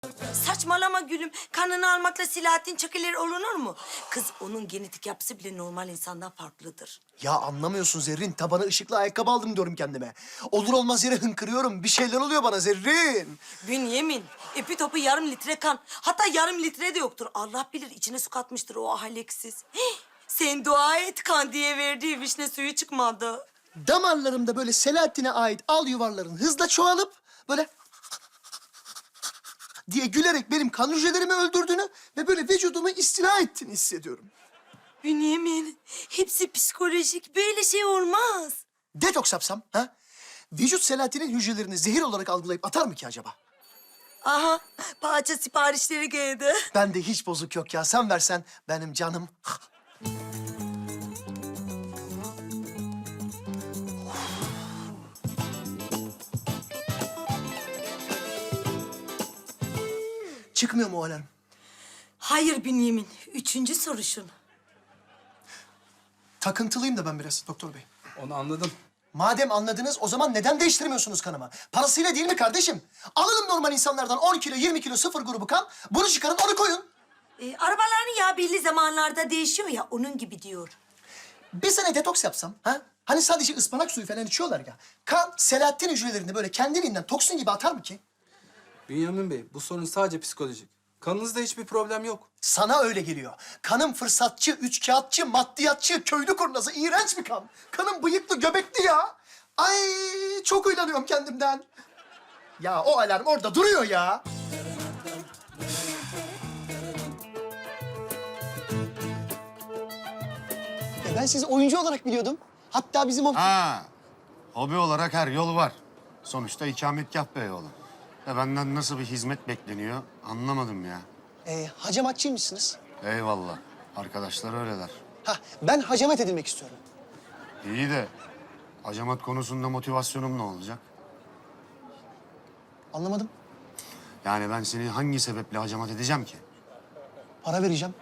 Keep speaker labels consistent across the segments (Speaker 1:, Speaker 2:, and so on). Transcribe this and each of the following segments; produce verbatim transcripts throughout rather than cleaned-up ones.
Speaker 1: Saçmalama gülüm. Kanını almakla Selahattin Çakıler olunur mu? Kız onun genetik yapısı bile normal insandan farklıdır.
Speaker 2: Ya anlamıyorsun Zerrin. Tabana ışıklı ayakkabı aldım diyorum kendime. Olur olmaz yere hınkırıyorum. Bir şeyler oluyor bana Zerrin.
Speaker 1: Bünyemin, ipi topu yarım litre kan. Hatta yarım litre de yoktur. Allah bilir içine su katmıştır o ahaleksiz. Hih, sen dua et kan diye verdiği vişne suyu çıkmadı.
Speaker 2: Damarlarımda böyle Selahattin'e ait al yuvarların hızla çoğalıp böyle diye gülerek benim kan hücrelerimi öldürdüğünü ve böyle vücudumu istila ettiğini hissediyorum.
Speaker 1: Bünyemin, hepsi psikolojik. Böyle şey olmaz.
Speaker 2: Detoks yapsam ha? Vücut Selahattin'in hücrelerini zehir olarak algılayıp atar mı ki acaba?
Speaker 1: Aha, parça siparişleri geldi.
Speaker 2: Bende hiç bozuk yok ya. Sen versen benim canım. Çıkmıyor mu o alarm?
Speaker 1: Hayır Bünyemin, üçüncü soruşun.
Speaker 2: Takıntılıyım da ben biraz doktor bey.
Speaker 3: Onu anladım.
Speaker 2: Madem anladınız o zaman neden değiştirmiyorsunuz kanımı? Parasıyla değil mi kardeşim? Alalım normal insanlardan on kilo, yirmi kilo sıfır grubu kan. Bunu çıkarın, onu koyun.
Speaker 1: Ee, arabaların yağı belli zamanlarda değişiyor ya, onun gibi diyor.
Speaker 2: Bir sene detoks yapsam, ha? Hani sadece ıspanak suyu falan içiyorlar ya. Kan, Selahattin hücrelerini böyle kendiliğinden toksin gibi atar mı ki?
Speaker 3: Bünyamin Bey, bu sorun sadece psikolojik. Kanınızda hiçbir problem yok.
Speaker 2: Sana öyle geliyor. Kanım fırsatçı, üçkağıtçı, maddiyatçı, köylü kurnazı, iğrenç bir kan. Kanım bıyıklı, göbekli ya. Ay çok uylanıyorum kendimden. Ya o alarm orada duruyor ya. E ben sizi oyuncu olarak biliyordum. Hatta bizim o...
Speaker 4: Ha, hobi olarak her yol var. Sonuçta ikametgah be yolu. Ya benden nasıl bir hizmet bekleniyor anlamadım ya.
Speaker 2: E, hacamatçıymışsınız.
Speaker 4: Eyvallah. Arkadaşlar öyleler.
Speaker 2: Ha, ben hacamat edilmek istiyorum.
Speaker 4: İyi de hacamat konusunda motivasyonum ne olacak?
Speaker 2: Anlamadım.
Speaker 4: Yani ben seni hangi sebeple hacamat edeceğim ki?
Speaker 2: Para vereceğim.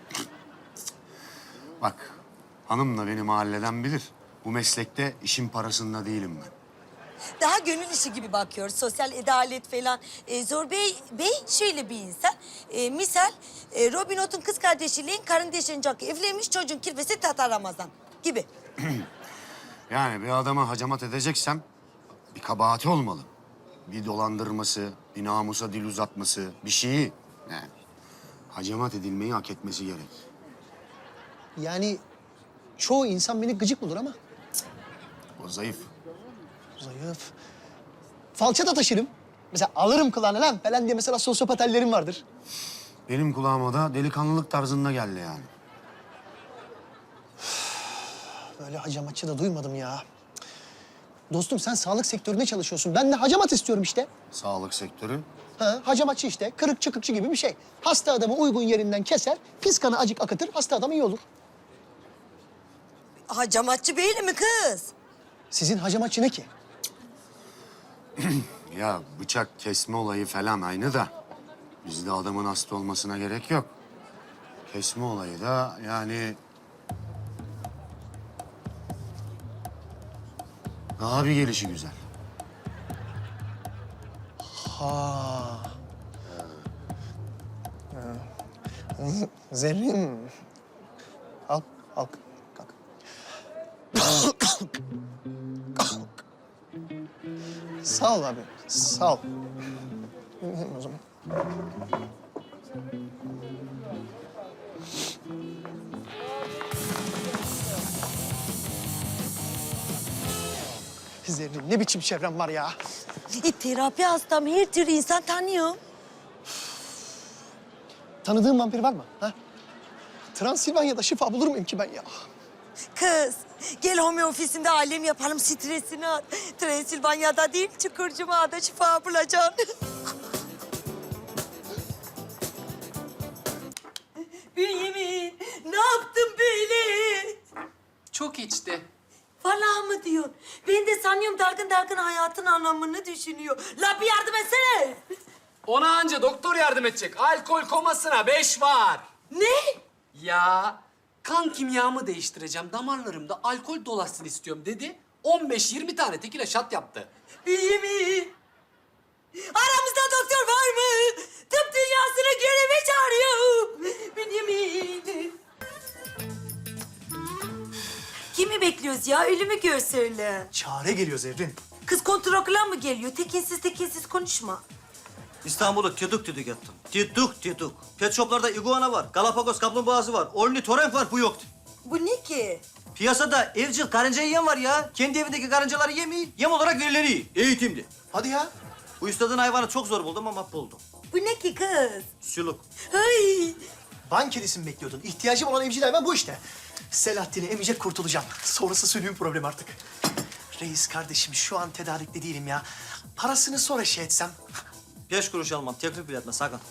Speaker 4: Bak, hanım da beni mahalleden bilir. Bu meslekte işin parasında değilim ben.
Speaker 1: Daha gönül işi gibi bakıyor, sosyal adalet falan. Ee, Zor Bey, Bey şöyle bir insan. Ee, misal, e, Robin Hood'un kız kardeşiyle kardeşin Jack evlenmiş, çocuğun kirvesi Tatar Ramazan gibi.
Speaker 4: Yani bir adama hacamat edeceksem bir kabahati olmalı. Bir dolandırması, bir namusa dil uzatması, bir şeyi. Yani hacamat edilmeyi hak etmesi gerek.
Speaker 2: Yani çoğu insan beni gıcık bulur ama
Speaker 4: O zayıf.
Speaker 2: zayıf. Falçata taşırım. Mesela alırım kulağına lan falan diye mesela sosyopat hallerim vardır.
Speaker 4: Benim kulağıma da delikanlılık tarzında geldi yani.
Speaker 2: Böyle hacamatçı da duymadım ya. Dostum sen sağlık sektöründe çalışıyorsun. Ben de hacamat istiyorum işte.
Speaker 4: Sağlık sektörü.
Speaker 2: Ha, hacamatçı işte. Kırık çıkıkçı gibi bir şey. Hasta adamı uygun yerinden keser, pis kanı acık akıtır, hasta adam iyi olur.
Speaker 1: Hacamatçı Bey'le mi kız?
Speaker 2: Sizin hacamatçı ne ki?
Speaker 4: Ya bıçak kesme olayı falan aynı da bizde adamın hasta olmasına gerek yok. Kesme olayı da yani daha bir gelişi güzel.
Speaker 2: Ha. Zerrin. Al, al. Kalk. Sağ ol abi, sağ ol. O zaman. Zerrin ne biçim çevrem var ya.
Speaker 1: E, terapi hastam, her türlü insan tanıyor.
Speaker 2: Tanıdığın vampir var mı? Ha? Transilvanya'da şifa bulur muyum ki ben ya?
Speaker 1: Kız, gel home ofisinde alem yapalım, stresini at. Transilvanya'da değil, Çukurcuma'da şifa bulacaksın. Bünyamin, ne yaptın böyle?
Speaker 5: Çok içti.
Speaker 1: Vallahi mı diyorsun? Ben de sanıyorum dargın dargın hayatın anlamını düşünüyor. La bir yardım etsene.
Speaker 5: Ona anca doktor yardım edecek. Alkol komasına beş var.
Speaker 1: Ne?
Speaker 5: Ya kan kimyamı değiştireceğim. Damarlarımda alkol dolaşsın istiyorum dedi. on beş yirmi tane tekile şat yaptı.
Speaker 1: Bünyamin. Aramızda doktor var mı? Tıp dünyasını göreve çağırıyorum. Bünyamin. Kimi bekliyoruz ya? Ölümü gör söyle.
Speaker 2: Çare geliyor Zerrin.
Speaker 1: Kız kontrol mı geliyor? Tekinsiz tekinsiz konuşma.
Speaker 6: İstanbul'u tüdük tüdük ettim. Tüdük tüdük. Pet shoplarda iguana var, Galapagos kaplumbağası var, ornitorenk var, bu yoktu.
Speaker 1: Bu ne ki?
Speaker 6: Piyasada evcil karınca yiyen var ya. Kendi evindeki karıncaları yemiyor, yem olarak verileri yiyor. Eğitimli.
Speaker 2: Hadi ya.
Speaker 6: Bu üstadın hayvanı çok zor buldum ama buldum.
Speaker 1: Bu ne ki kız?
Speaker 6: Sülük.
Speaker 1: Ay.
Speaker 2: Van kedisi mi bekliyordun? İhtiyacım olan evcil hayvan bu işte. Selahattin'i emecek kurtulacağım. Sonrası sülüğün problemi artık. Reis kardeşim şu an tedarikli değilim ya. Parasını sonra şey etsem.
Speaker 6: Beş kuruş almam, teklif bile etme sakın.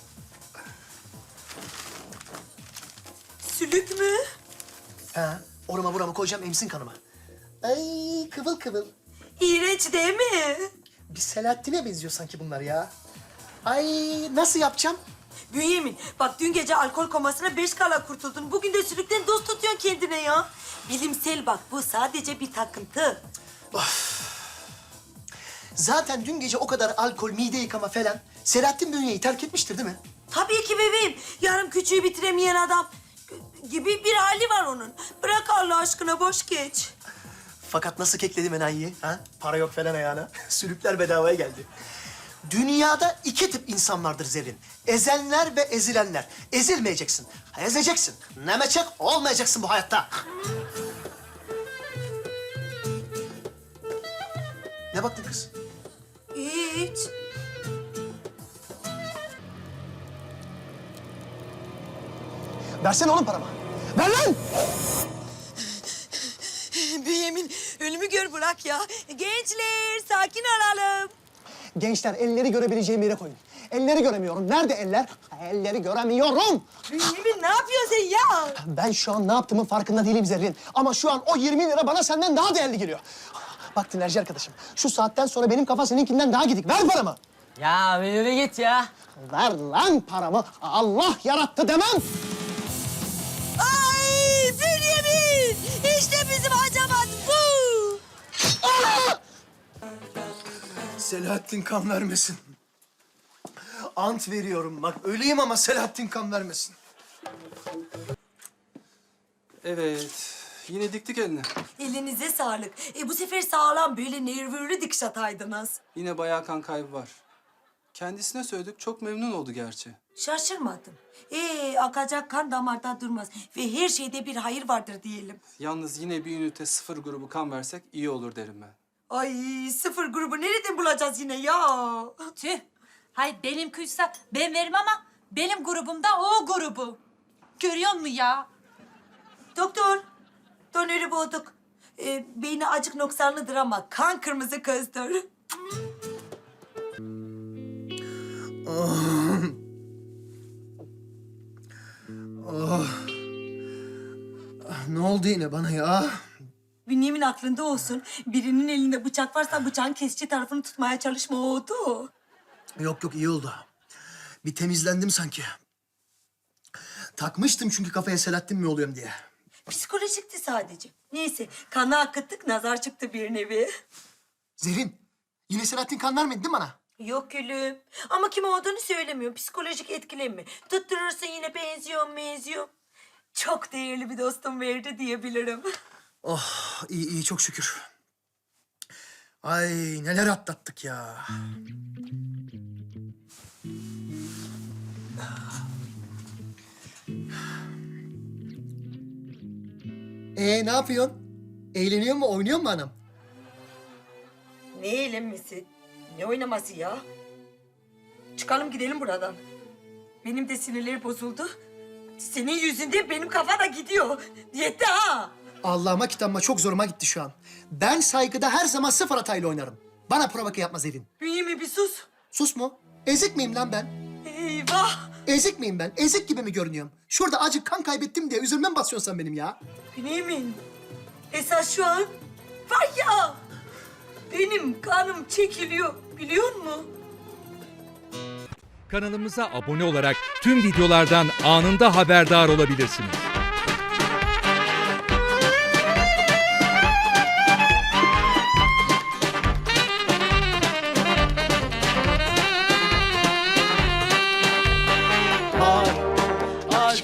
Speaker 1: Sülük mü?
Speaker 2: Ha, orama burama koyacağım emsin kanıma. Ay kıvıl kıvıl.
Speaker 1: İğrenç değil mi?
Speaker 2: Bir Selahattin'e benziyor sanki bunlar ya. Ay nasıl yapacağım?
Speaker 1: Bünyamin, bak dün gece alkol komasına beş kala kurtuldun. Bugün de sülükten dost tutuyorsun kendine ya. Bilimsel bak, bu sadece bir takıntı.
Speaker 2: Zaten dün gece o kadar alkol, mide yıkama falan. Selahattin bünyeyi terk etmiştir değil mi?
Speaker 1: Tabii ki bebeğim. Yarım küçüğü bitiremeyen adam gibi bir hali var onun. Bırak Allah aşkına, boş geç.
Speaker 2: Fakat nasıl kekledim enayiyi? Ha? Para yok falan ayağına. Sülükler bedavaya geldi. Dünyada iki tip insan vardır Zerrin. Ezenler ve ezilenler. Ezilmeyeceksin. Ezeceksin. Nemeçek olmayacaksın bu hayatta. Ne baktın kız?
Speaker 1: Hiç.
Speaker 2: Versene oğlum paramı. Ver lan!
Speaker 1: Bünyamin, ölümü gör bırak ya. Gençler, sakin olalım.
Speaker 7: Gençler elleri görebileceğim yere koyun. Elleri göremiyorum. Nerede eller? Elleri göremiyorum.
Speaker 1: Bünyamin, ne yapıyorsun sen ya?
Speaker 7: Ben şu an ne yaptığımın farkında değilim Zerrin. Ama şu an o yirmi lira bana senden daha değerli geliyor. Bak dinlerci arkadaşım. Şu saatten sonra benim kafa seninkinden daha gidik. Ver paramı.
Speaker 8: Ya bir yürü git ya.
Speaker 7: Ver lan paramı. Allah yarattı demem.
Speaker 1: Ay Bünyamin! İşte bizim hacamat bu!
Speaker 2: Selahattin kan vermesin. Ant veriyorum bak öleyim ama Selahattin kan vermesin.
Speaker 3: Evet. Yine diktik eline.
Speaker 1: Elinize sağlık. E, bu sefer sağlam böyle nervürlü dikiş ataydınız.
Speaker 3: Yine bayağı kan kaybı var. Kendisine söyledik, çok memnun oldu gerçi.
Speaker 1: Şaşırmadım. Ee, akacak kan damarda durmaz. Ve her şeyde bir hayır vardır diyelim.
Speaker 3: Yalnız yine bir ünite sıfır grubu kan versek iyi olur derim ben.
Speaker 1: Ay sıfır grubu nereden bulacağız yine ya?
Speaker 9: Tüh. Hay benim kuysa ben veririm ama benim grubumda o grubu. Görüyor musun ya?
Speaker 1: Doktor, donörü bulduk. Ee, beyni acık noksanlıdır ama kan kırmızı kızdır.
Speaker 2: Ne oldu yine bana ya?
Speaker 1: Bünyamin aklında olsun. Birinin elinde bıçak varsa bıçağın kesici tarafını tutmaya çalışma oldu.
Speaker 2: Yok yok iyi oldu. Bir temizlendim sanki. Takmıştım çünkü kafaya Selahattin mi oluyorum diye.
Speaker 1: Psikolojikti sadece. Neyse kanı akıttık nazar çıktı bir nevi.
Speaker 2: Zerrin, yine Selahattin kan vermedi değil mi bana?
Speaker 1: Yok gülüm. Ama kim olduğunu söylemiyorum. Psikolojik etkilenme. Tutturursun yine benziyor benziyor. Çok değerli bir dostum verdi diyebilirim.
Speaker 2: Oh iyi iyi çok şükür. Ay neler atlattık ya. Ee ne yapıyorsun? Eğleniyor mu, oynuyor mu anam?
Speaker 1: Ne eğlenmesi? Ne oynaması ya? Çıkalım gidelim buradan. Benim de sinirleri bozuldu. Senin yüzünden benim kafa da gidiyor. Diyette ha.
Speaker 2: Allah'ıma kitabıma çok zoruma gitti şu an. Ben saygıda her zaman sıfır hatayla oynarım. Bana provoke yapma Zerrin.
Speaker 1: Bünyamin bir sus.
Speaker 2: Sus mu? Ezik miyim lan ben?
Speaker 1: Eyvah.
Speaker 2: Ezik miyim ben? Ezik gibi mi görünüyorum? Şurada acık kan kaybettim diye üzülme mi basıyorsun sen benim ya?
Speaker 1: Bünyamin. Esas şu an var ya. Benim kanım çekiliyor. Biliyor musun?
Speaker 10: Kanalımıza abone olarak tüm videolardan anında haberdar olabilirsiniz.